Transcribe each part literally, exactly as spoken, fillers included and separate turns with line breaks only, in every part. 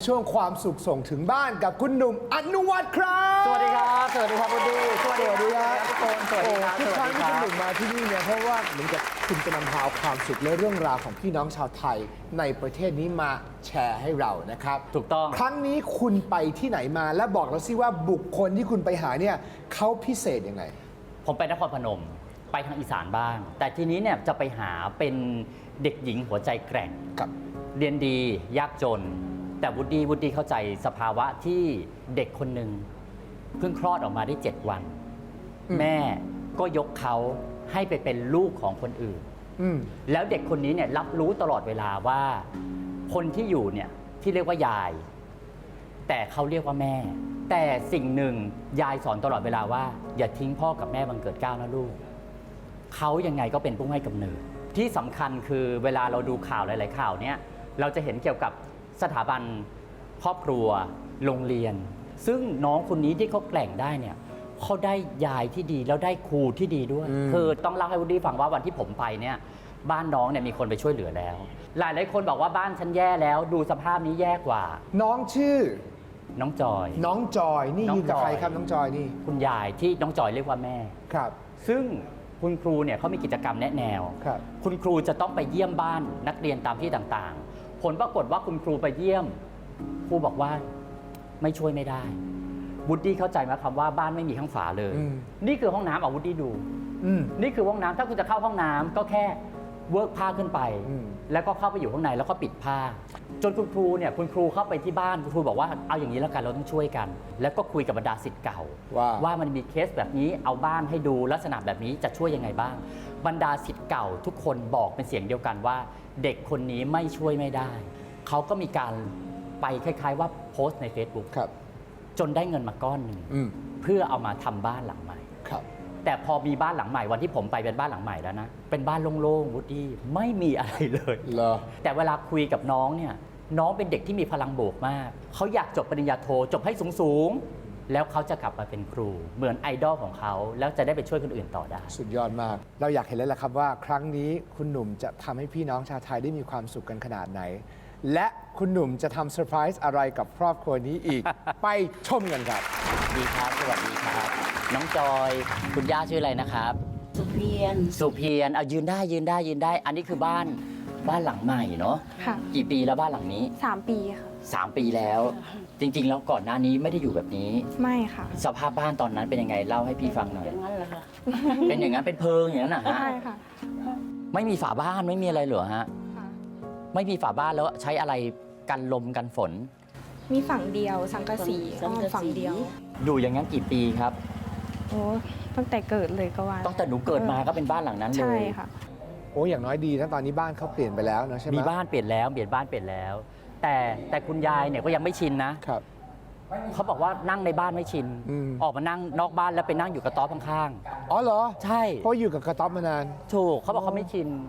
ช่วงความสุขส่งถึงบ้านกับคุณหนุ่มอนุวัฒน์ครับ
สวัสดีครับ สวัสดีครับคุณดีสวัสดีครับทุกคน สวัสดีครับ
ทุกครั้ง
ส
ที่
วัส
คุณห
ดี
นุ่มมาที่นี่เนี่ยเพราะว่าเหมือนกับคุณจะนำพาเอาความสุขและเรื่องราวของพี่น้องชาวไทยในประเทศนี้มาแชร์ให้เรานะครับ
ถูกต้อง
ครั้งนี้คุณไปที่ไหนมาและบอกเราสิว่าบุคคลที่คุณไปหาเนี่ยเขาพิเศษยังไง
ผมไปนครพนม ไปทางอีสานบ้าง แต่ทีนี้เนี่ยจะไปหาเป็นเด็กหญิงหัวใจแกร่ง
ครับ
เรียนดียากจน แต่วุฒิวุฒิเข้าใจสภาวะที่เด็กคนหนึ่งเพิ่งคลอดออกมาได้เจ็ดวัน
อืม
แม่ก็ยกเขาให้ไปเป็นลูกของคนอื่น
อืม
แล้วเด็กคนนี้เนี่ยรับรู้ตลอดเวลาว่า คนที่อยู่เนี่ยที่เรียกว่ายาย แต่เขาเรียกว่าแม่ แต่สิ่งหนึ่งยายสอนตลอดเวลาว่า อย่าทิ้งพ่อกับแม่บังเกิดเกล้านะลูกเขายังไงก็เป็นผู้ให้กำเนิดที่สำคัญคือเวลาเราดูข่าวหลาย ๆ ข่าวเนี่ยเราจะเห็นเกี่ยวกับสถาบันครอบครัวโรงเรียน ซึ่งน้องคนนี้ที่เขาแกร่งได้เนี่ยเขาได้ยายที่ดีแล้วได้ครูที่ดีด้วย
อืม
คือต้องเล่าให้วุฒิฟังว่าวันที่ผมไปเนี่ยบ้านน้องเนี่ยมีคนไปช่วยเหลือแล้ว หลายหลายๆคนบอกว่าบ้านฉันแย่แล้วดูสภาพนี้แย่กว่า
น้องชื่อ
น้องจอย
น้องจอยนี่
น้อง
ยืนกับ
จอย
ใครครับน้องจอยนี่
คุณยายที่น้องจอยเรียกว่าแม่
ครับ
ซึ่งคุณครูเนี่ยเขามีกิจกรรมแนะแนว
ครับ
คุณครูจะต้องไปเยี่ยมบ้านนักเรียนตามที่ต่างๆ ผลปรากฏว่าคุณครูไปเยี่ยมครูบอกว่าไม่ช่วยไม่ได้วุฒิเข้าใจไหมคำว่าบ้านไม่มีข้างฝาเลย
อืม
นี่คือห้องน้ำเอาวุฒิดู
อืม
นี่คือห้องน้ำถ้าคุณจะเข้าห้องน้ำก็แค่เวิร์กผ้าขึ้นไป
อืม
แล้วก็เข้าไปอยู่ข้างในแล้วก็ปิดผ้า จนคุณครูเนี่ยคุณครูเข้าไปที่บ้านคุณครูบอกว่าเอาอย่างนี้แล้วกันเราต้องช่วยกัน แล้วก็คุยกับบรรดาศิษย์เก่า
ว่า
ว่ามันมีเคสแบบนี้เอาบ้านให้ดูลักษณะแบบนี้จะช่วยยังไงบ้าง บรรดาศิษย์เก่าทุกคนบอกเป็นเสียงเดียวกันว่า เด็กคนนี้ไม่ช่วยไม่ได้ เขาก็มีการไปคล้ายๆว่าโพสต์ใน Facebook
ครับ
จนได้เงินมาก้อนหนึ่ง
อืม
เพื่อเอามาทำบ้านหลังใหม่
ครับ
แต่พอมีบ้านหลังใหม่วันที่ผมไปเป็นบ้านหลังใหม่แล้วนะเป็นบ้านโล่งๆวุฒิไม่มีอะไรเลย
เหรอ
แต่เวลาคุยกับน้องเนี่ยน้องเป็นเด็กที่มีพลังบวกมากเขาอยากจบปริญญาโทจบให้สูงๆแล้วเขาจะกลับมาเป็นครู เหมือนไอดอลของเขาแล้วจะได้ไปช่วยคนอื่นต่อได้
สุดยอดมาก เราอยากเห็นแล้วแหละครับว่าครั้งนี้คุณหนุ่มจะทำให้พี่น้องชาวไทยได้มีความสุขกันขนาดไหน และคุณหนุ่มจะทำเซอร์ไพรส์อะไรกับครอบครัวนี้อีก ไปชมกันครับ
ดีครับสวัสดีครับ น้องจอยคุณย่าชื่ออะไรนะครับ
สุเพียน
สุเพียรเอายืนได้ยืนได้ยืนได้ อันนี้คือบ้านบ้านหลังใหม่เนาะ
ค่ะ
กี่ปีแล้วบ้านหลังนี้
สามปีค่ะ
สามปีแล้ว จริง ๆ แล้วก่อนหน้านี้ไม่ได้อยู่แบบนี้
ไม่ค่ะ
สภาพบ้านตอนนั้นเป็นยังไงเล่าให้พี่ฟังหน่อย
อย่างนั้นเหรอคะ
เป็นอย่างนั้นเป็นเพิงอย่างนั้นนะฮะ
ใช่ค่ะ
ไม่มีฝาบ้านไม่มีอะไรเหรอฮะ
ค่ะ
ไม่มีฝาบ้านแล้วใช้อะไรกันลมกันฝน
มีฝั่งเดียวสังกะสี
สัง
อ้อม
กะสี
ฝั่งเดียว
อยู่อย่างนั้นกี่ปีครับ
โอ้ตั้งแต่เกิดเลยก็ว่า
ตั้งแต่หนูเกิดมาก็เป็นบ้านหลังนั้นเล
ใช่
ย
ค่ะ
โอ้อย่างน้อยดีนะตอนนี้บ้านเขาเปลี่ยนไปแล้วนะใช่ไหม
มีบ้านเปลี่ยนแล้วเปลี่ยนบ้านเปลี่ยนแล้ว แต่แต่คุณยายเนี่ยก็ยังไม่ชินนะครับ เขาบอกว่านั่งในบ้านไม่ชิน
อืม
ออกมานั่งนอกบ้านแล้วไปนั่งอยู่กระต๊อบข้าง
อ๋อเหรอ
ๆใช่
เพราะอยู่กับกระต๊อบมานาน
ถูกเขาบอกเขาไม่ชิน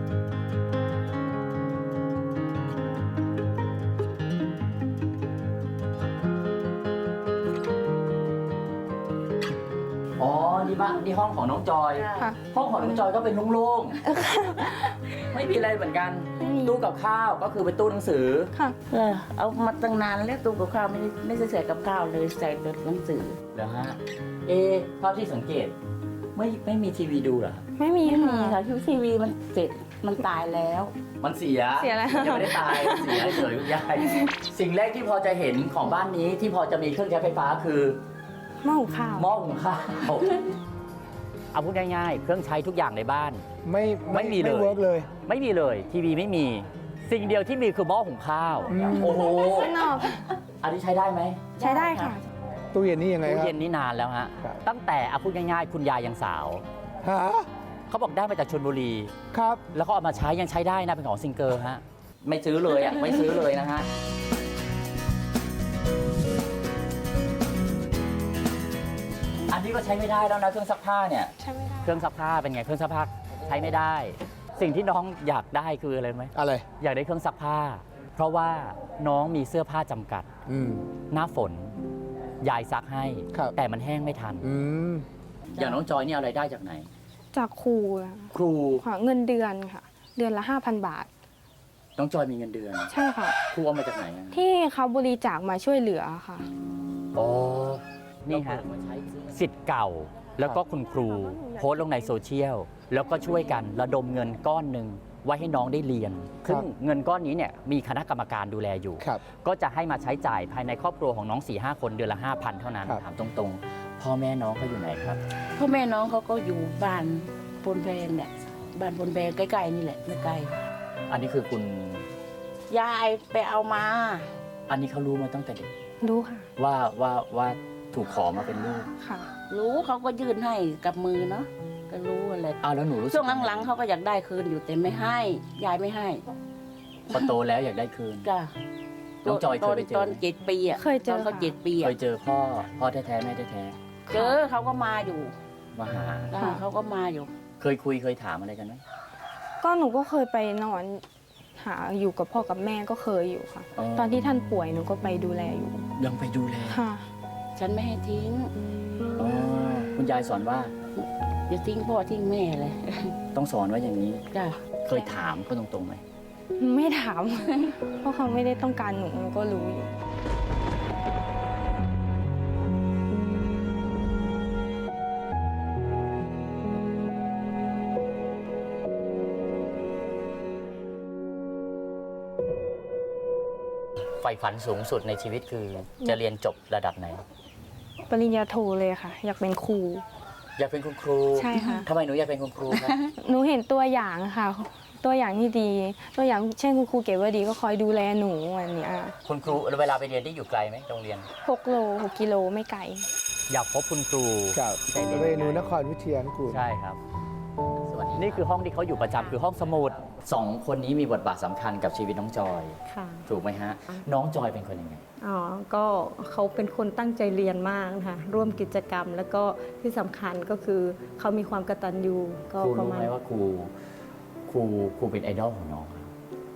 อ๋อ นี่บ้านนี่ห้องของน้องจอย
ค่ะ
ห้องของน้องจอยก็เป็นโล่งๆ ไม่มีอะไรเหมือนกัน
ไม่มี
ตู้กับข้าวก็คือเป็นตู้หนังสือ
ค่ะ
เออเอามาตั้งนานแล้วตู้กับข้าวไม่ได้ไม่ได้ใส่กับข้าวเลยใส่แต่หนังสือ
เหรอฮะ เอะเท่าที่สังเกต ไม่ไม่มีทีวีดูเหรอ
ไม่มี
ไม่มี
ค่ะ
ค่ะทีทีวีมันเสร็จมันตายแล้ว
มันเสีย
เสียแล้ว
ยังไม่ได้ตาย เสียเฉยๆคุณยาย สิ่งแรกที่พอจะเห็นของบ้านนี้ที่พอจะมีเครื่องใช้ไฟฟ้าคือ
หม้อหุงข้าว
หม้อหุงข้าว เอาพูดง่ายๆ เครื่องใช้ทุกอย่างในบ้าน
ไม่
ไม่มีเลย
ไม่เวิร์กเลย
ไม่มีเลย ทีวีไม่มี สิ่งเดียวที่มีคือหม้อหุงข้าว
อืม
โอ้โห
ข้างนอก
อันนี้ใช้ได้ไหม
ใช้ได้ค่ะ
ตู้เย็นนี่ยังไง
ตู้
ครับ
เย็นนี่นานแล้วฮะ
ครับ
ตั้งแต่เอาพูดง่ายๆ คุณยายยังสาว
ฮะ
เขาบอกได้มาจากชลบุรี
ครับ
แล้วก็เอามาใช้ยังใช้ได้นะเป็นของซิงเกิลฮะ ไม่ซื้อเลยอ่ะ ไม่ซื้อเลยนะฮะ อันนี้ก็ใช้ไม่ได้แล้วนะเครื่องซักผ้าเนี่ย
ใช้ไม่ได้
เครื่องซักผ้าเป็นไงเครื่องซักผ้าใช้ไม่ได้ สิ่งที่น้องอยากได้คืออะไรไหม
อะไร
อยากได้เครื่องซักผ้า เพราะว่าน้องมีเสื้อผ้าจำกัด
อืม
หน้าฝนยายซักให้
ครับ
แต่มันแห้งไม่ทัน
อืม
อย่างน้องจอยนี่เอาอะไรได้จากไหน
จากครูอะ
ครู
ค่ะเงินเดือนค่ะ เดือนละห้าพันบาท
น้องจอยมีเงินเดือน
ใช่ค่ะ
ครูเอามาจากไหนอะ
ที่เขาบริจาคมาช่วยเหลือค่ะ
อ๋อนี่ฮะสิทธิ์เก่าแล้วก็คุณครูโพสต์ลงในโซเชียลแล้วก็ช่วยกันระดมเงินก้อนหนึ่งไว้ให้น้องได้เรียนซึ่งเงินก้อนนี้เนี่ยมีคณะกรรมการดูแลอยู่
ครับ
ก็จะให้มาใช้จ่ายภายในครอบครัวของน้อง สี่ห้า คนเดือนละ ห้าพัน เท่านั้น
ครับ
ถามตรงๆ พ่อแม่น้องเขาอยู่ไหนครับ
พ่อแม่น้องเขาก็อยู่บ้านพลแพงเนี่ยบ้านพลแพงใกล้ๆนี่แหละไม่ไกล
อันนี้คือคุณ
ยายไปเอามา
อันนี้เขารู้มาตั้งแต่เด็ก
รู้ค่ะ
ว่าว่าว่าถูกขอมาเป็นลูก
ค่ะ
รู้เขาก็ยื่นให้กับมือเนาะก็รู้อะไร
อ้าวแล้วหนูรู้สึก
ช่วงหลังๆเขาก็อยากได้คืนอยู่แต่ไม่ให้ ยายไม่ให้
พอโตแล้วอยากได้คืน
จ้ะ
น้องจอยเคยไปเจอ
ตอนเจ็ดปีอ่ะ
เคยเจอ
ตอนเขา
ค่ะ
เจ็ดปี
เค
อ่ะ
ยเจอพ่อพ่อแท้ๆแม่แท้
เจอเขาก็มาอยู่
ๆมาหา
จ้ะเขาก็มาอยู่
เคยคุยเคยถามอะไรกันไหม
ก็หนูก็เคยไปนอนหาอยู่กับพ่อกับแม่ก็เคยอยู่ค่ะ
อ๋อ
ตอนที่ท่านป่วยหนูก็ไปดูแลอยู่
ยังไปดูแล
ค่ะ
ฉันไม่ให้ทิ้ง
อ๋อคุณยายสอนว่า
อย่าทิ้งพ่อทิ้งแม่เลย
ต้องสอนว่าอย่างนี้
จ้ะ
เคยถามเขาตรงๆไหม
ไม่ถาม เพราะเขาไม่ได้ต้องการหนูหนูก็รู้อยู่
ใฝ่ฝันสูงสุดในชีวิตคือจะเรียนจบระดับไหน
ปริญญาโทเลยค่ะ อยากเป็นครู
อยากเป็นคุณครู
ใช่ค่ะ
ทำไมหนูอยากเป็นคุณครูครับ
หนูเห็นตัวอย่างค่ะ ตัวอย่างที่ดี ตัวอย่างเช่นคุณครูเก๋วดีก็คอยดูแลหนูอันเนี้ย
คุณครูเวลาไปเรียนที่อยู่ไกลไหมโรงเรียน
หกโลหกกิโลไม่ไกล
อยากพบคุณครู
ครับ
ใช่เลย
เรนูนครวิทยานุกูล
ใช่ครับนี่คือห้องที่เขาอยู่ประจำคือห้องสมุดสองคนนี้มีบทบาทสำคัญกับชีวิตน้องจอย
ค่ะ
ถูกไหมฮะ น้องจอยเป็นคนยังไง
อ๋อ ก็เขาเป็นคนตั้งใจเรียนมากนะคะร่วมกิจกรรม แล้วก็ที่สำคัญก็คือเขามีความกตัญญูก็
ครู
ประ
รู้
มาณ
ไหมว่าครูครูครูเป็นไอดอลของน้องครับ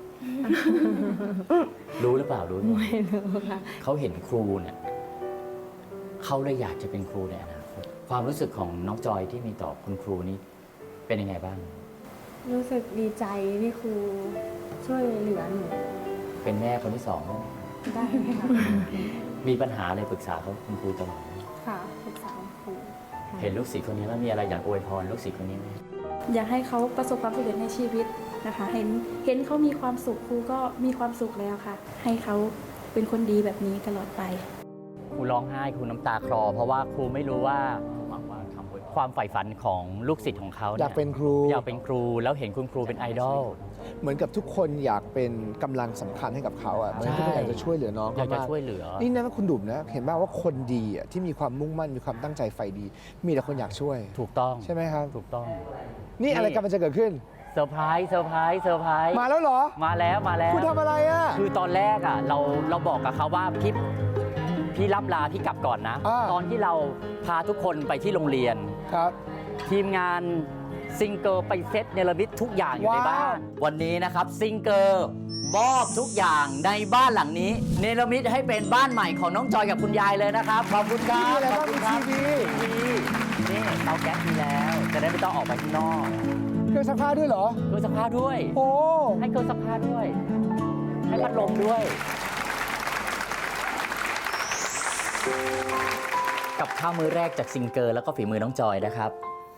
รู้หรือเปล่ารู้หรือเปล่า
ไม่รู้ค่ะ
เขาเห็นครูเนี่ยเขาเลยอยากจะเป็นครูในอนาคตความรู้สึกของน้องจอยที่มีต่อคุณครูนี้เป็นยังไงบ้าง
รู้สึกดีใจที่ครูช่วยเหลือหนู
เป็นแม่คนที่สองแล้วไหม
ได้ไหมคะ
มีปัญหาอะไรปรึกษาเขาคุณครูตลอดไหม
ค่ะปรึกษาครูค่ะ
เห็นลูกศิษย์คนนี้แล้วมีอะไรอยากอวยพรลูกศิษย์คนนี้ไหม
อยากให้เขาประสบความสำเร็จในชีวิตนะคะ เห็นเห็นเขามีความสุขครูก็มีความสุขแล้วค่ะ ให้เขาเป็นคนดีแบบนี้ตลอดไป
ครูร้องไห้ครูน้ำตาคลอ เพราะว่าครูไม่รู้ว่าความใฝ่ฝันของลูกศิษย์ของเขา
อยากเป็นครู
อยากเป็นครูแล้วเห็นคุณครูเป็นไอดอล
เหมือนกับทุกคนอยากเป็นกำลังสำคัญให้กับเขาอ่ะเหมือนที่อยากจะช่วยเหลือน้อง
อยาก
เขา
จะ
มาก
ช่วยเหลือ
นี่นะคุณดุมนะ เห็นไหมว่าคนดีอ่ะที่มีความมุ่งมั่นมีความตั้งใจใฝ่ดี มีแต่คนอยากช่วย
ถูกต้อง
ใช่ไหมครับ
ถูกต้อง
นี่อะไรกำลังจะเกิดขึ้น
เซอร์ไพรส์เซอร์ไพรส์เซอร์ไพรส์
มาแล้วเหรอ
มาแล้วมาแล้ว
คุณทำอะไรอ่ะ
คือตอนแรกอ่ะเราเราบอกกับเขาว่าพี่พี่รับลาพี่กลับก่อนนะ
อ่า
ตอนที่เราพาทุกคนไปที่โรงเรียน
ครับ
ทีมงานซิงเกิลไปเซตเนรมิตทุกอย่างอยู่ในบ้าน วันนี้นะครับซิงเกิลมอบทุกอย่างในบ้านหลังนี้ เนรมิตให้เป็นบ้านใหม่ของน้องจอยกับคุณยายเลยนะครับ ขอบคุณค
มี
รับ
อะไร
ขอบ
บ้าง
คุ
มี
ณครั
ที
บ
วี
ทีวีนี่เตาแก๊สมีแล้ว จะได้ไม่ต้องออกไปข้างนอก
เครื่องซักผ้าด้วยเหรอ
เครื่องซักผ้าด้วย
โอ้
ให้เครื่องซักผ้าด้วย ให้พัดลมด้วย กับข้าวมื้อแรกจากซิงเกิลแล้วก็ฝีมือน้องจอยนะครับ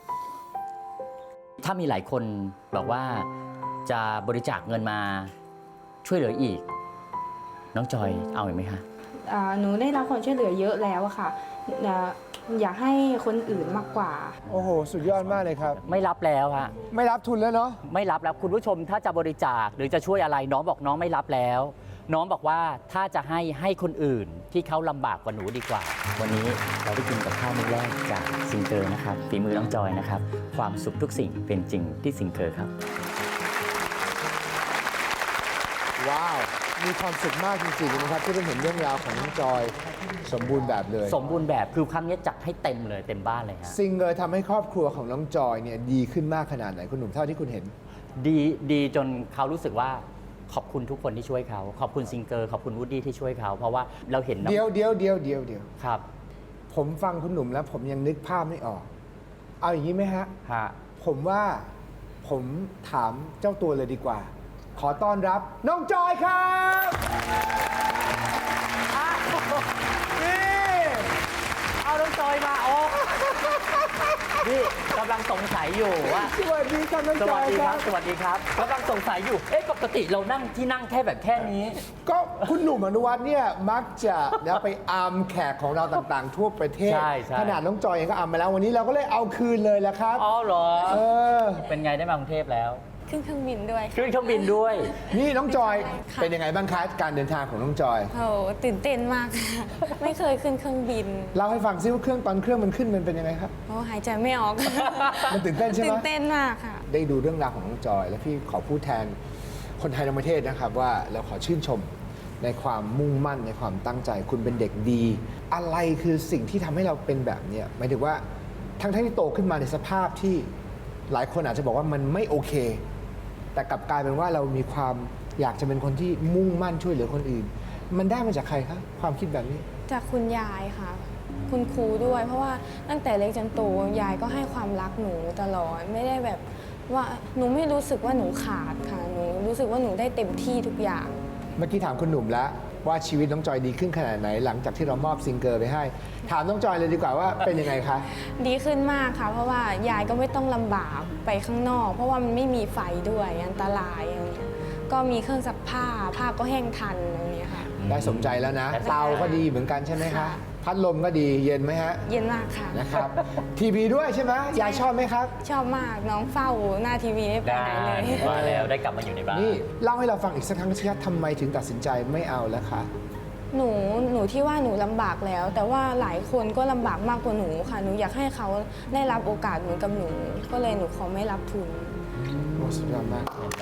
ถ้ามีหลายคนบอกว่าจะบริจาคเงินมาช่วยเหลืออีก น้องจอยเอาอีกไหมคะ
อ่าหนูได้รับความช่วยเหลือเยอะแล้วอะค่ะอ่าอยากให้คนอื่นมากกว่า
โอ้โห สุดยอดมากเลยครับ
ไม่รับแล้วฮะ
ไม่รับทุนแล้วเนาะ
ไม่รับแล้วคุณผู้ชมถ้าจะบริจาคหรือจะช่วยอะไรน้องบอกน้องไม่รับแล้ว น้องบอกว่าถ้าจะให้ให้คนอื่นที่เขาลำบากกว่าหนูดีกว่า วันนี้เราได้กินกับข้าวมื้อแรกจากซิงเกิลนะครับฝีมือน้องจอยนะครับ ความสุขทุกสิ่งเป็นจริงที่ซิงเกิลครับ
ว้าว มีความสุขมากจริงๆนะครับที่ได้เห็นเรื่องราวของน้องจอยสมบูรณ์แบบเลย
สมบูรณ์แบบคือครั้งนี้จัดให้เต็มเลยเต็มบ้านเลยฮะ
ซิงเกิลทำให้ครอบครัวของน้องจอยเนี่ยดีขึ้นมากขนาดไหนคุณหนุ่มเท่าที่คุณเห็น
ดีดีจนเขารู้สึกว่าขอบคุณทุกคนที่ช่วยเขาขอบคุณซิงเกิลขอบคุณวูดดี้ที่ช่วยเขาเพราะว่าเราเห็นน้อง
เดียวเดียวเดียวเดียวเดียว
ครับ
ผมฟังคุณหนุ่มแล้วผมยังนึกภาพไม่ออก เอาอย่างนี้ไหมฮะ
ฮะ
ผมว่าผมถามเจ้าตัวเลยดีกว่าขอต้อนรับน้องจอยครับนี่
เอาน้องจอยมาโอ้นี่กำลังสงสัยอยู่ว่า
สวัสดีครับน้อง
ส
จ
วั
อ
ส
ย
ดี
ค
ค
รั
รับ บ สวัสดีครับกำลังสงสัยอยู่ เอ๊ะ ปกติเรานั่งที่นั่งแค่แบบแค่นี้
ก็คุณหนุ่มอนุวัฒน์เนี่ยมักจะนะไปอัมแขกของเราต่างๆ ทั่วประเทศ
ใช่ใช่
ขนาดน้องจอยเองก็อัมมาแล้ววันนี้เราก็เลยเอาคืนเลยแหละครับ
อ๋อเหรอ
เออ
เป็นไงได้มากรุงเทพแล้ว
ขึ้นเครื่องบินด้วย
ขึ้นเครื่องบินด้วย
นี่น้องจอย
ค่ะ
เป็นยังไงบ้างคะการเดินทางของน้องจอย
โอ้โหตื่นเต้นมากค่ะ ไม่เคยขึ้นเครื่องบิน
เล่าให้ฟังซิว่าเครื่องตอนเครื่องมันขึ้นมันเป็นยังไงครับ
โอ้หายใจไม่ออก
มันตื่นเต้นใช่ไหม
ตื่นเต้นมากค่ะ
ได้ดูเรื่องราวของน้องจอย และพี่ขอพูดแทนคนไทยทั้งประเทศนะครับว่าเราขอชื่นชมในความมุ่งมั่นในความตั้งใจ คุณเป็นเด็กดี อะไรคือสิ่งที่ทำให้เราเป็นแบบเนี้ยหมายถึงว่าทั้งที่โตขึ้นมาในสภาพที่หลายคนอาจจะบอกว่ามันไม่โอเค แต่กลับกลายเป็นว่าเรามีความอยากจะเป็นคนที่มุ่งมั่นช่วยเหลือคนอื่น มันได้มาจากใครครับความคิดแบบนี้
จากคุณยายค่ะ คุณครูด้วย เพราะว่าตั้งแต่เล็กจนโตยายก็ให้ความรักหนูตลอด ไม่ได้แบบว่าหนูไม่รู้สึกว่าหนูขาดค่ะ หนูรู้สึกว่าหนูได้เต็มที่ทุกอย่าง
เมื่อกี้ถามคุณหนุ่มแล้วว่าชีวิตน้องจอยดีขึ้นขนาดไหน หลังจากที่เรามอบซิงเกิลไปให้ ถามน้องจอยเลยดีกว่าว่าเป็นยังไงคะ
ดีขึ้นมากค่ะ เพราะว่ายายก็ไม่ต้องลำบากไปข้างนอก เพราะว่ามันไม่มีไฟด้วยอันตรายอย่างเงี้ยก็มีเครื่องซักผ้าผ้าก็แห้งทันอย่างเงี้ยค่ะ
ได้สมใจแล้วนะ เตาก็ดีเหมือนกันใช่ไหมคะ
ค่ะ
พัดลมก็ดีเย็นไหมฮะ
เย็นมากค่ะ
นะครับ ทีวีด้วยใช่ไหมยายชอบไหมครับ
ชอบมากน้องเฝ้าหน้าทีวีไม่ไป
ได้
ไหนเลย
มาแล้วได้กลับมาอยู่ในบ้าน
นี่เล่าให้เราฟังอีกสักครั้งสิครับทำไมถึงตัดสินใจไม่เอาแล้วคะ
หนูหนูที่ว่าหนูลำบากแล้ว แต่ว่าหลายคนก็ลำบากมากกว่าหนูค่ะ หนูอยากให้เขาได้รับโอกาสเหมือนกับหนู ก็เลยหนูขอไม่รับทุน
โอ้สุดยอดมาก
เห็นไหม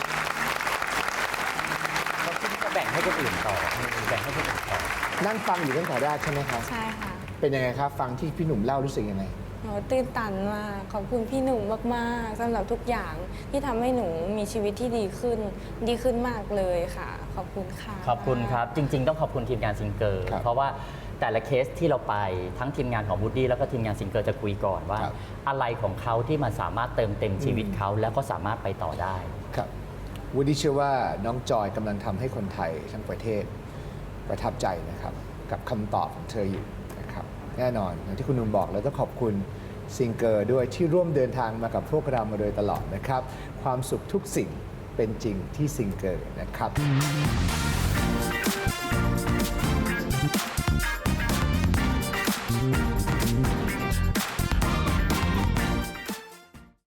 เราคิดจะแบ่งให้คนอื่นต่อ แบ่งให้คนอื่นต่อ
นั่งฟังอยู่ตั้งแต่แรกใช่ไหมครับ
ใช่ค่ะ
เป็นยังไงครับ ฟังที่พี่หนุ่มเล่ารู้สึกยังไง
หนูตื่นตันมากขอบคุณพี่หนุ่มมากๆสำหรับทุกอย่างที่ทำให้หนูมีชีวิตที่ดีขึ้น ดีขึ้นมากเลยค่ะ ขอบคุณค่ะ
ขอบคุณครับ จริง ๆ ต้องขอบคุณทีมงานซิงเกิล
ครับ
เพราะว่าแต่ละเคสที่เราไปทั้งทีมงานของวูดดี้แล้วก็ทีมงานซิงเกิลจะคุยก่อนว่า
ครับ
อะไรของเขาที่มันสามารถเติมเต็มชีวิตเขาแล้วก็สามารถไปต่อได้
ครับวูดดี้เชื่อว่าน้องจอยกำลังทำให้คนไทยทั้งประเทศประทับใจนะครับ กับคำตอบของเธออยู่นะครับ แน่นอนอย่างที่คุณหนุ่มบอกแล้วต้องขอบคุณซิงเกิลด้วยที่ร่วมเดินทางมากับพวกเรามาโดยตลอดนะครับ ความสุขทุกสิ่งเป็นจริงที่ซิงเกิลนะครับ